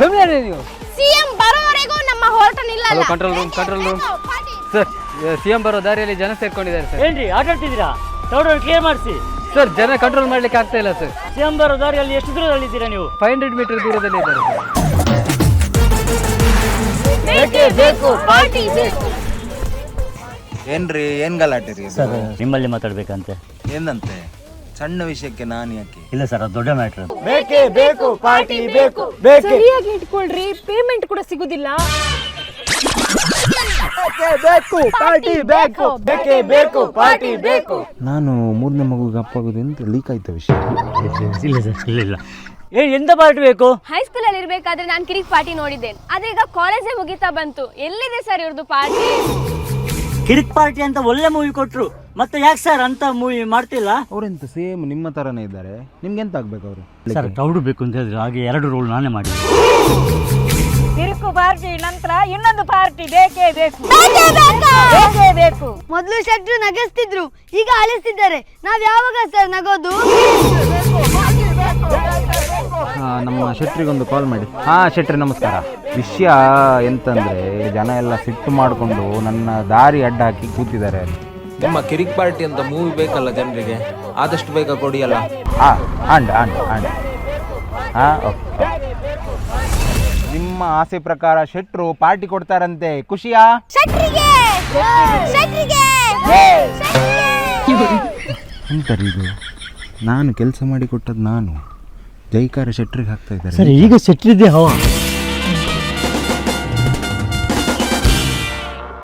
ಸುಮ್ಮನೆ ನೀವು. ಸಿಎಂ ಬರೋವರೆಗೂ ನಮ್ಮ ಹೋರಾಟ ನಿಲ್ಲಲ್ಲ. Control room sir. ಸಿಎಂ ಬರೋ ದಾರಿಯಲ್ಲಿ ಜನ ಸೇರ್ಕೊಂಡಿದ್ದಾರೆ ಸರ್. ಏನ್ರಿ ಆಟಾಡ್ತಿದ್ದೀರಾ? ತೌಡನ್ನು ಕ್ಲಿಯರ್ ಮಾಡಿಸಿ ಸರ್. ಜನ ಕಂಟ್ರೋಲ್ ಮಾಡ್ಲಿಕ್ಕೆ ಆಗ್ತಾ ಇಲ್ಲ ಸರ್. ಸಿಎಂ ಬರೋ ದಾರಿಯಲ್ಲಿ ಎಷ್ಟು ದೂರದಲ್ಲಿದ್ದೀರಾ ನೀವು? 500 ಮೀಟರ್ ದೂರದಲ್ಲಿ ಇದ್ದಾರೆ ಸರ್. ಬೇಕೇ ಬೇಕು ಪಾರ್ಟಿ ಬೇಕು. ಏನ್ರಿ ಏನ್ ಗಲಾಟೆ ರೀ? ಸರ್ ನಿಮ್ಮಲ್ಲಿ ಮಾತಾಡ್ಬೇಕಂತೆ. ಏನಂತೆ? ಸಣ್ಣ ವಿಷಯಕ್ಕೆ ನಾನು ಯಾಕೆ? ಇಲ್ಲ ಸರ್, ಅದು ದೊಡ್ಡ ಮ್ಯಾಟ್ರ್. ಬೇಕೇ ಬೇಕು ಪಾರ್ಟಿ ಬೇಕು. ಸರಿಯಾಗಿ ಇಟ್ಕೊಳ್ರಿ, ಪೇಮೆಂಟ್ ಕೂಡ ಸಿಗುದಿಲ್ಲ. ಪಾರ್ಟಿ ಬೇಕು. ನಾನು ಮೂರನೇ ಮಗುಗೆ ಅಪ್ಪಾಗೋದು ಅಂತ ಲೀಕ್ ಆಯ್ತ ವಿಷಯ. ಇಲ್ಲ ಸರ್, ಇಲ್ಲ. ಎಂತ ಪಾರ್ಟಿ ಬೇಕು? ಹೈಸ್ಕೂಲ್ ಅಲ್ಲಿ ಇರ್ಬೇಕಾದ್ರೆ ನಾನು ಕಿರಿಕ್ ಪಾರ್ಟಿ ನೋಡಿದ್ದೇನೆ. ಆದ್ರೆ ಈಗ ಕಾಲೇಜೇ ಮುಗಿತಾ ಬಂತು. ಎಲ್ಲಿದೆ ಸರ್ ಇವ್ರದ್ದು ಪಾರ್ಟಿ? ಕಿರಿಕ್ ಪಾರ್ಟಿ ಅಂತ ಒಳ್ಳೆ ಮೂವಿ ಕೊಟ್ರು, ಮತ್ತೆ ಯಾಕೆ ಸರ್ ಅಂತ ಮೂವಿ ಮಾಡ್ತಿಲ್ಲ? ಅವರೆಂತ ಸೇಮ್ ನಿಮ್ಮ ತರನೇ ಇದ್ದಾರೆ. ನಿಮ್ಗೆ ಎಂತ ಆಗ್ಬೇಕು ಅವರು? ಸರ್ ಟೌಡು ಬೇಕು ಅಂತ ಹೇಳಿದ್ರೆ ಹಾಗೆ 2 ರೋಲ್ ನಾನೇ ಮಾಡಿ. ಕಿರುಕು ಪಾರ್ಟಿ ನಂತರ ಇನ್ನೊಂದು ಪಾರ್ಟಿ ಬೇಕೇ ಬೇಕು. ಮೊದಲು ಶೆಟ್ರು ನಗಿಸ್ತಿದ್ರು, ಈಗ ಅಳಿಸ್ತಿದ್ದಾರೆ. ನಾವ್ ಯಾವಾಗ ಸರ್ ನಗೋದು? ನಮ್ಮ ಶೆಟ್ರಿಗೊಂದು ಕಾಲ್ ಮಾಡಿ. ಶೆಟ್ರಿ ನಮಸ್ಕಾರ. ವಿಷಯ ಎಂತಂದ್ರೆ ಜನ ಎಲ್ಲ ಸಿಟ್ಟು ಮಾಡಿಕೊಂಡು ನನ್ನ ದಾರಿ ಅಡ್ಡ ಹಾಕಿ ಕೂತಿದ್ದಾರೆ ಅಲ್ಲಿ. ನಿಮ್ಮ ಕಿರಿಕ್ ಪಾರ್ಟಿ ಅಂತ ಮೂವಿ ಬೇಕಲ್ಲ ಜನರಿಗೆ, ಆದಷ್ಟು ಬೇಗ ಕೊಡಿಯಲ್ಲ. ನಿಮ್ಮ ಆಸೆ ಪ್ರಕಾರ ಶೆಟ್ರು ಪಾರ್ಟಿ ಕೊಡ್ತಾರಂತೆ. ಖುಷಿಯಾ? ಎಂತರಿ ಇದು? ನಾನು ಕೆಲಸ ಮಾಡಿ ಕೊಟ್ಟದ್ದು ನಾನು. ಜೈಕಾರ ಶೆಟ್ರಿಗೆ ಹಾಕ್ತಾ ಇದ್ದಾರೆ. ಸರ್ ಈಗ ಶೆಟ್ರಿದ್ದೆ ಹವಾ.